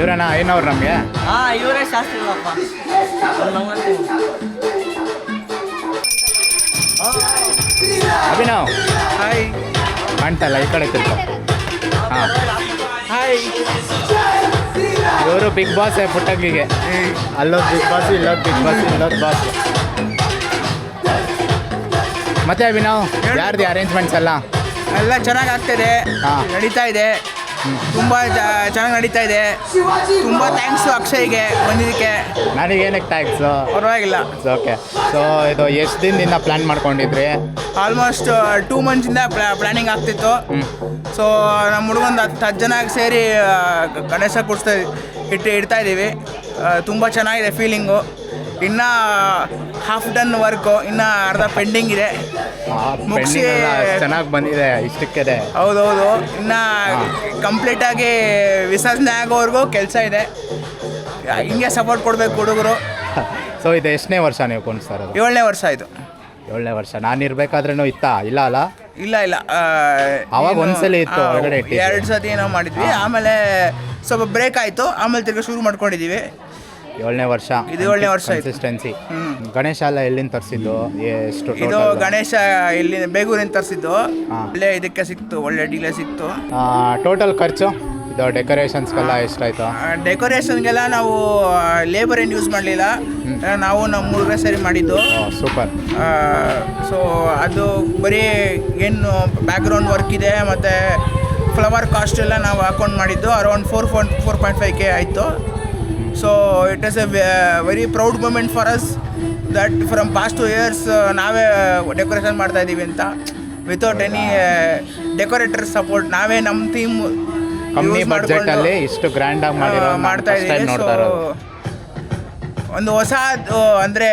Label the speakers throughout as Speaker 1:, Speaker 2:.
Speaker 1: ಇವರೇನಾ ಏನವ್ರು ನಮಗೆ?
Speaker 2: ಇವರೇ ಶಾಸ್ತ್ರಿಗಳಪ್ಪ.
Speaker 1: ಅಭಿನವ್
Speaker 2: ಹಾಯ್.
Speaker 1: ಕಾಣ್ತಲ್ಲ, ಈ ಕಡೆ ತಿರ್ಕೊ. ಹಾಂ,
Speaker 2: ಹಾಯ್.
Speaker 1: ಇವರು ಬಿಗ್ ಬಾಸ್ ಪುಟ್ಟಂಗಿಗೆ. ಅಲ್ಲೊಂದು ಬಿಗ್ ಬಾಸ್, ಇಲ್ಲೊಂದು ಬಿಗ್ ಬಾಸ್, ಇಲ್ಲೊಂದು ಬಾಸ್. ಮತ್ತೆ ಅಭಿನವ್, ಯಾರ್ದು ಅರೇಂಜ್ಮೆಂಟ್ಸ್ ಎಲ್ಲ?
Speaker 2: ಎಲ್ಲ ಚೆನ್ನಾಗಿ ಆಗ್ತಿದೆ, ನಡೀತಾ ಇದೆ, ತುಂಬ ಚೆನ್ನಾಗಿ ನಡೀತಾ ಇದೆ. ತುಂಬ ಥ್ಯಾಂಕ್ಸು ಅಕ್ಷಯ್ಗೆ ಬಂದಿದ್ದಕ್ಕೆ.
Speaker 1: ನನಗೇನಕ್ಕೆ ಟ್ಯಾಕ್ಸು?
Speaker 2: ಪರವಾಗಿಲ್ಲ.
Speaker 1: ಓಕೆ. ಸೊ ಇದು ಎಷ್ಟು ದಿನದಿಂದ ಪ್ಲ್ಯಾನ್ ಮಾಡ್ಕೊಂಡಿದ್ರಿ?
Speaker 2: ಆಲ್ಮೋಸ್ಟ್ 2 ಮಂತ್ಸಿಂದ ಪ್ಲ್ಯಾನಿಂಗ್ ಆಗ್ತಿತ್ತು. ಸೊ ನಮ್ಮ ಹುಡುಗಂದು 10 ಜನ ಸೇರಿ ಗಣೇಶ ಕೂಡಿಸ್ತಾ ಇಡ್ತಾ ಇದ್ದೀವಿ. ತುಂಬ ಚೆನ್ನಾಗಿದೆ ಫೀಲಿಂಗು. ಇನ್ನು ಹಾಫ್ ಡನ್ ವರ್ಕು, ಇನ್ನು ಅರ್ಧ ಪೆಂಡಿಂಗ್ ಇದೆ. ಮುಗಿಸಿ
Speaker 1: ಚೆನ್ನಾಗಿ ಬಂದಿದೆ ಇಷ್ಟಕ್ಕೆ.
Speaker 2: ಹೌದೌದು, ಇನ್ನು ಕಂಪ್ಲೀಟಾಗಿ ವಿಸರ್ಜನೆ ಆಗೋವರೆಗೂ ಕೆಲಸ ಇದೆ. ಹಿಂಗೆ ಸಪೋರ್ಟ್ ಕೊಡಬೇಕು ಹುಡುಗರು.
Speaker 1: ಸೊ ಇದು ಎಷ್ಟನೇ ವರ್ಷ ನೀವು ಕುಣಿಸ್ತಾ ಇರೋದು?
Speaker 2: 7ನೇ ವರ್ಷ ಆಯಿತು.
Speaker 1: 7ನೇ ವರ್ಷ. ನಾನು ಇರಬೇಕಾದ್ರೂ ಇತ್ತಾ? ಇಲ್ಲ ಅಲ್ಲ,
Speaker 2: ಇಲ್ಲ
Speaker 1: ಅವಾಗ ಒಂದ್ಸಲ ಇತ್ತು, ಹೊರಗಡೆ
Speaker 2: 2 ಸತಿ ಏನೋ ಮಾಡಿದ್ವಿ. ಆಮೇಲೆ ಸ್ವಲ್ಪ ಬ್ರೇಕ್ ಆಯಿತು, ಆಮೇಲೆ ತಿರ್ಗಿ ಶುರು ಮಾಡ್ಕೊಂಡಿದ್ದೀವಿ.
Speaker 1: 7ನೇ ವರ್ಷ.
Speaker 2: ಇದು 7ನೇ ವರ್ಷ
Speaker 1: ಕನ್ಸಿಸ್ಟೆನ್ಸಿ. ಗಣೇಶ ಎಲ್ಲ ಎಲ್ಲಿಂದ ತರಿಸಿದ್ದು? ಎಷ್ಟು?
Speaker 2: ಇದು ಗಣೇಶ ಇಲ್ಲಿ ಬೇಗೂರಿಂದ ತರಿಸಿದ್ದು. ಒಳ್ಳೆ ಇದಕ್ಕೆ ಸಿಕ್ತು, ಒಳ್ಳೆ ಡೀಲೇ ಸಿಕ್ತು.
Speaker 1: ಟೋಟಲ್ ಖರ್ಚು ಇದು ಡೆಕೋರೇಷನ್ಸ್ಗೆಲ್ಲ ಎಷ್ಟಾಯ್ತು?
Speaker 2: ಡೆಕೋರೇಷನ್ಗೆಲ್ಲ ನಾವು ಲೇಬರ್ ಏನು ಯೂಸ್ ಮಾಡಲಿಲ್ಲ, ನಾವು ನಮ್ಮ ಹುಡುಗರೇ ಸರಿ ಮಾಡಿದ್ದು.
Speaker 1: ಸೂಪರ್.
Speaker 2: ಸೊ ಅದು ಬರೀ ಏನು ಬ್ಯಾಕ್ಗ್ರೌಂಡ್ ವರ್ಕ್ ಇದೆ, ಮತ್ತು ಫ್ಲವರ್ ಕಾಸ್ಟ್ ಎಲ್ಲ ನಾವು ಅಕೌಂಟ್ ಮಾಡಿದ್ದು. ಅರೌಂಡ್ 4.5K ಆಯಿತು. So it is a very proud moment for us that from past 2 years ನಾವೇ ಡೆಕೋರೇಷನ್ ಮಾಡ್ತಾ ಇದ್ದೀವಿ ಅಂತ, ವಿತೌಟ್ ಎನಿ ಡೆಕೋರೇಟರ್ ಸಪೋರ್ಟ್. ನಾವೇ ನಮ್ಮ ಥೀಮ್
Speaker 1: ಕಮ್ಮಿ ಬಜೆಟಲ್ಲಿ ಇಷ್ಟು ಗ್ರ್ಯಾಂಡಾಗಿ
Speaker 2: ಮಾಡ್ತಾ ಇದ್ದೀವಿ. ಸೊ ಒಂದು ಹೊಸ ಅಂದರೆ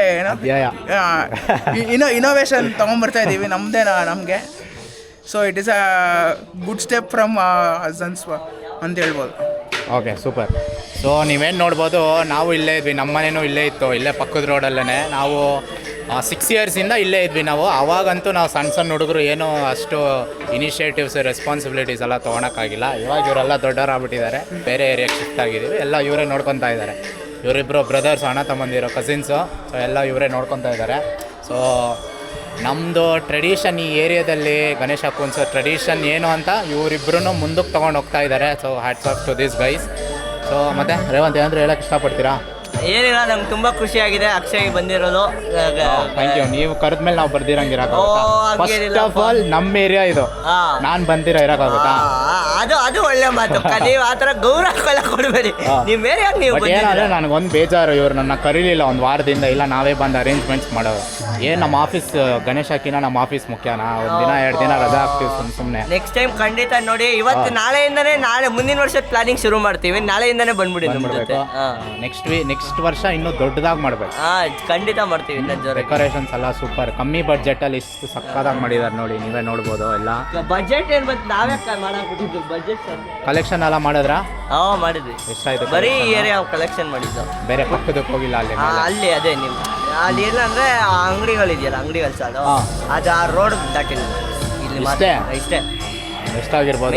Speaker 2: ಇನೋವೇಷನ್ ತೊಗೊಂಬರ್ತಾ ಇದ್ದೀವಿ ನಮ್ಮದೇ ನಮಗೆ. So it is a good step from Hassans ಅಂತ ಹೇಳ್ಬೋದು.
Speaker 1: Okay, super. ಸೊ ನೀವೇನು ನೋಡ್ಬೋದು, ನಾವು ಇಲ್ಲೇ ಇದ್ವಿ, ನಮ್ಮ ಮನೇನೂ ಇಲ್ಲೇ ಇತ್ತು, ಇಲ್ಲೇ ಪಕ್ಕದ ರೋಡಲ್ಲೇ. ನಾವು 6 yearsಯಿಂದ ಇಲ್ಲೇ ಇದ್ವಿ ನಾವು. ಆವಾಗಂತೂ ನಾವು ಸಣ್ಣ ಹುಡುಗರು ಏನೋ ಅಷ್ಟು ಇನಿಷಿಯೇಟಿವ್ಸ್, ರೆಸ್ಪಾನ್ಸಿಬಿಲಿಟೀಸ್ ಎಲ್ಲ ತೊಗೊಳಕ್ಕಾಗಿಲ್ಲ. ಇವಾಗ ಇವರೆಲ್ಲ ದೊಡ್ಡವರಾಗ್ಬಿಟ್ಟಿದ್ದಾರೆ, ಬೇರೆ ಏರಿಯಾಗೆ ಶಿಫ್ಟ್ ಆಗಿದ್ದೀವಿ. ಎಲ್ಲ ಇವರೇ ನೋಡ್ಕೊತಾ ಇದ್ದಾರೆ. ಇವರಿಬ್ಬರು ಬ್ರದರ್ಸ್, ಅಣ್ಣ ತಮ್ಮಂದಿರೋ ಕಸಿನ್ಸು. ಸೊ ಎಲ್ಲ ಇವರೇ ನೋಡ್ಕೊತಾ ಇದ್ದಾರೆ. ಸೊ ನಮ್ಮದು ಟ್ರೆಡಿಷನ್, ಈ ಏರಿಯಾದಲ್ಲಿ ಗಣೇಶ ಕುಣಿಸೋ ಟ್ರೆಡಿಷನ್ ಏನು ಅಂತ ಇವರಿಬ್ಬರೂ ಮುಂದಕ್ಕೆ ತೊಗೊಂಡು ಹೋಗ್ತಾ ಇದ್ದಾರೆ. So hats off to this guys. So ಮತ್ತೆ ರೇವಂತ್ ಏನಾದರೂ ಹೇಳೋಕ್ಕೆ ಇಷ್ಟಪಡ್ತೀರಾ?
Speaker 2: ಏನಿಲ್ಲ, ನಂಗೆ ತುಂಬ ಖುಷಿಯಾಗಿದೆ ಅಕ್ಷಯ್ ಬಂದಿರೋದು.
Speaker 1: Thank you. ನೀವು ಕರೆದ್ಮೇಲೆ ನಾವು ಬರ್ದಿರಂಗಿರಕ್ಕಾಗುತ್ತಾ? ಫಸ್ಟ್ ಆಫ್ ಆಲ್ ನಮ್ಮ ಏರಿಯಾ ಇದು, ನಾನು ಬಂದಿರೋ ಇರೋಕ್ಕಾಗುತ್ತಾ?
Speaker 2: ಅದು ಒಳ್ಳೆ ಮಾತು. ನೀವು ಆ ಥರ ಗೌರವ ಕೊಡಬೇಡಿ. ನಿಮ್ಮ ಏರಿಯಾಗ ನೀವು
Speaker 1: ಏನಾದರೆ ನನಗೊಂದು ಬೇಜಾರು, ಇವರು ನನ್ನ ಕರೀಲಿಲ್ಲ ಒಂದು ವಾರದಿಂದ. ಇಲ್ಲ ನಾವೇ ಬಂದು ಅರೇಂಜ್ಮೆಂಟ್ಸ್ ಮಾಡೋರು. ಏನು ನಮ್ಮ ಆಫೀಸ್ ಗಣೇಶಕ್ಕಿನ ನಮ್ಮ ಆಫೀಸ್ ಮುಖ್ಯನಾ? 1 ದಿನ 2 ದಿನ ರಜಾ ಹಾಕ್ತೀವಿ ಸುಮ್ಮನೆ.
Speaker 2: ನೆಕ್ಸ್ಟ್ ಟೈಮ್ ಖಂಡಿತ ನೋಡಿ. ಇವತ್ತು ನಾಳೆಯಿಂದನೇ ಮುಂದಿನ ವರ್ಷದ ಪ್ಲಾನಿಂಗ್ ಶುರು ಮಾಡ್ತೀವಿ. ನಾಳೆಯಿಂದನೇ ಬಂದ್ಬಿಡಿ.
Speaker 1: ನೆಕ್ಸ್ಟ್ ವರ್ಷ ಇನ್ನೂ ದೊಡ್ಡದಾಗಿ ಮಾಡಬೇಕು.
Speaker 2: ಖಂಡಿತ ಮಾಡ್ತೀವಿ.
Speaker 1: ಡೆಕೋರೇಷನ್ಸ್ ಎಲ್ಲ ಸೂಪರ್, ಕಮ್ಮಿ ಬಡ್ಜೆಟಲ್ಲಿ ಇಷ್ಟು ಸಕ್ಕದಾಗಿ ಮಾಡಿದ್ದಾರೆ ನೋಡಿ, ನೀವೇ ನೋಡ್ಬೋದು. ಎಲ್ಲ
Speaker 2: ಬಜೆಟ್ ಏನು ಬಂತು, ನಾವೇ ಮಾಡಾಕ್ಬಿಟ್ಟಿದ್ದು ಬಜೆಟ್.
Speaker 1: ಕಲೆಕ್ಷನ್ ಎಲ್ಲ ಮಾಡಿದ್ರಾ?
Speaker 2: ಮಾಡಿದ್ವಿ.
Speaker 1: ಎಷ್ಟಾಯ್ತು?
Speaker 2: ಬರೀ ಏರಿಯಾ ಕಲೆಕ್ಷನ್ ಮಾಡಿದ್ದು,
Speaker 1: ಬೇರೆ ಪಕ್ಕದಕ್ಕೆ ಹೋಗಿಲ್ಲ.
Speaker 2: ಅಲ್ಲಿ ಅದೇ ನಿಮ್ಮ ಅಲ್ಲಿ ಇಲ್ಲ ಅಂದ್ರೆ ಅಂಗಡಿಗಳಿದೆಯಲ್ಲ, ಅಂಗಡಿಗಳು ಸಾಲು ಅದು ಆ ರೋಡ್ ದಾಟಿಲ್ಲ. ಇಲ್ಲಿ ಇಷ್ಟೇ.
Speaker 1: ಎಷ್ಟಾಗಿರ್ಬೋದು?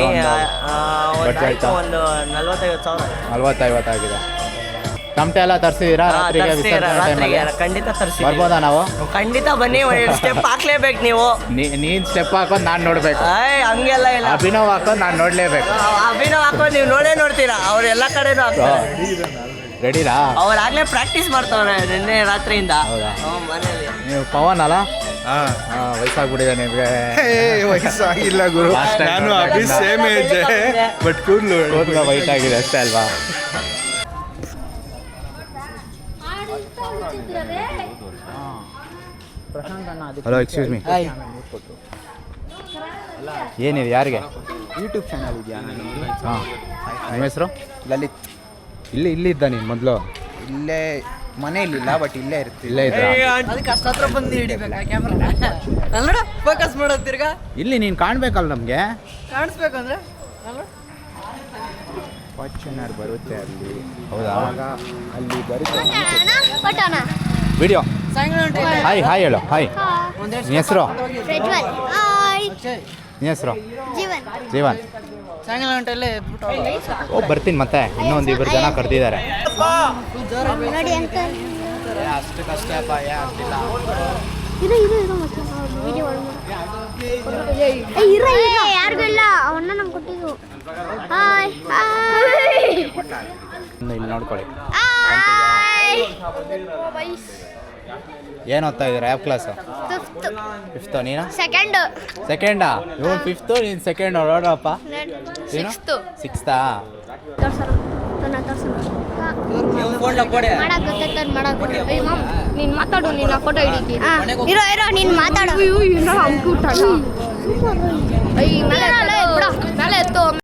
Speaker 2: ಒಂದು 40-50
Speaker 1: ಆಗಿದೆ. ತಮಟೆ ಎಲ್ಲ ತರಿಸಿದ್ದೀರಾ? ರಾತ್ರಿಗೆ
Speaker 2: ಖಂಡಿತ ತರಿಸಿ.
Speaker 1: ಬರ್ಬೋದಾ ನಾವು?
Speaker 2: ಖಂಡಿತ ಬನ್ನಿ. ಸ್ಟೆಪ್ ಹಾಕ್ಲೇಬೇಕು ನೀವು.
Speaker 1: ನೀನು ಸ್ಟೆಪ್ ಹಾಕೋದು ನಾನು ನೋಡ್ಬೇಕು.
Speaker 2: ಹಂಗೆಲ್ಲ ಇಲ್ಲ.
Speaker 1: ಅಭಿನವ್ ಹಾಕೋದು ನಾನು ನೋಡ್ಲೇಬೇಕು.
Speaker 2: ಅಭಿನವ್ ಹಾಕೋದು ನೀವು ನೋಡ್ತೀರಾ. ಅವ್ರು ಎಲ್ಲ ಕಡೆನೂ ಹಾಕ್ತಾರೆ.
Speaker 1: ರೆಡಿನಾ?
Speaker 2: ಅವ್ರಾಗಲೇ ಪ್ರಾಕ್ಟೀಸ್ ಮಾಡ್ತಾವ್ರೆ ನಿನ್ನೆ ರಾತ್ರಿಯಿಂದ. ಮನೇಲಿ.
Speaker 1: ನೀವು ಪವನ್ ಅಲ್ಲ? ವಯಸ್ಸಾಗ್ಬಿಟ್ಟಿದೆ ನಿಮಗೆ?
Speaker 3: ವಯಸ್ಸಾಗಿಲ್ಲ ಗುರು, ನಾನು ಅಭಿ ಸೇಮ್ ಏಜ್, ಬಟ್ ಕೂದಲು
Speaker 1: ವೈಟ್ ಆಗಿದೆ ಅಷ್ಟೇ ಅಲ್ವಾ? Hello, excuse me. ಏನಿದೆ? ಯಾರಿಗೆ?
Speaker 3: ಯೂಟ್ಯೂಬ್ ಚಾನಲ್ ಇದೆಯಾ?
Speaker 1: ಹಾಂ. ನಿಮ್ಮ ಹೆಸರು?
Speaker 3: ಲಲಿತ್.
Speaker 1: ಇಲ್ಲಿ ಇದ್ದ ನೀನು ಮೊದಲು?
Speaker 3: ಇಲ್ಲೇ ಮನೆಯಲ್ಲಿಲ್ಲ, ಬಟ್ ಇಲ್ಲೇ ಇರ್ತೀವಿ.
Speaker 1: ಇಲ್ಲೇ ಇದ್ದ?
Speaker 2: ಅದಕ್ಕೆ ಅಷ್ಟು ಹತ್ರ ಬಂದು ಹಿಡಿಬೇಕಾ ಕ್ಯಾಮ್ರಾ? ಫೋಕಸ್ ಮಾಡೋದು ತಿರ್ಗಾ
Speaker 1: ಇಲ್ಲಿ ನೀನು ಕಾಣಬೇಕಲ್ಲ ನಮಗೆ.
Speaker 2: ಕಾಣಿಸ್ಬೇಕಂದ್ರೆ
Speaker 3: ಫಾರ್ಚುನರ್ ಬರುತ್ತೆ ಅಲ್ಲಿ.
Speaker 1: ಹೌದಾ?
Speaker 3: ಅಲ್ಲಿ ಬರುತ್ತೆ
Speaker 1: ವಿಡಿಯೋ. ಹಾಯ್ ಹೇಳು. ಹಾಯ್. ನಿನ್ನ ಹೆಸರು? ನಿನ್ನ ಹೆಸರು? ಜೀವನ್.
Speaker 4: ಸಾಯಂಕಾಲ ಗಂಟೆಲ್ಲೇ
Speaker 1: ಹೋಗಿ ಬರ್ತೀನಿ ಮತ್ತೆ ಇನ್ನೊಂದು ಇಬ್ಬರು ಜನ ಕರೆದಿದ್ದಾರೆ.
Speaker 5: ನೋಡಿ ಅಂಕಲ್
Speaker 1: ಅಷ್ಟು ಕಷ್ಟ ಆಗ್ತಿಲ್ಲ.
Speaker 5: ಇರೋ ಯಾರಿಗೂ ಇಲ್ಲ ಅವನ್ನ ನಂಗೆ ಕೊಟ್ಟಿದ್ದು. ಹಾಯ್
Speaker 1: ಇಲ್ಲಿ ನೋಡ್ಕೊಳ್ಳಿ.
Speaker 5: ಹಾಯ್
Speaker 1: ಏನು ಓದ್ತಾ ಇದ್ದೀರಾ? ಯಾವ ಕ್ಲಾಸು? ಫಿಫ್ತು. ನೀನು ಸೆಕೆಂಡಾ? ಇವನು ಫಿಫ್ತು, ನೀನು ಸೆಕೆಂಡ್. ನೋಡಪ್ಪ ನೀನು ಸಿಕ್ಸ್ತಾ?
Speaker 5: ನೀನ್ ಮಾತಾಡು, ನಿನ್ನ ಫೋಟೋ ಹಿಡಿತೀನಿ. ಇರೋ ನೀನ್ ಮಾತಾಡು. ಮೇಲೆ ಎತ್ತು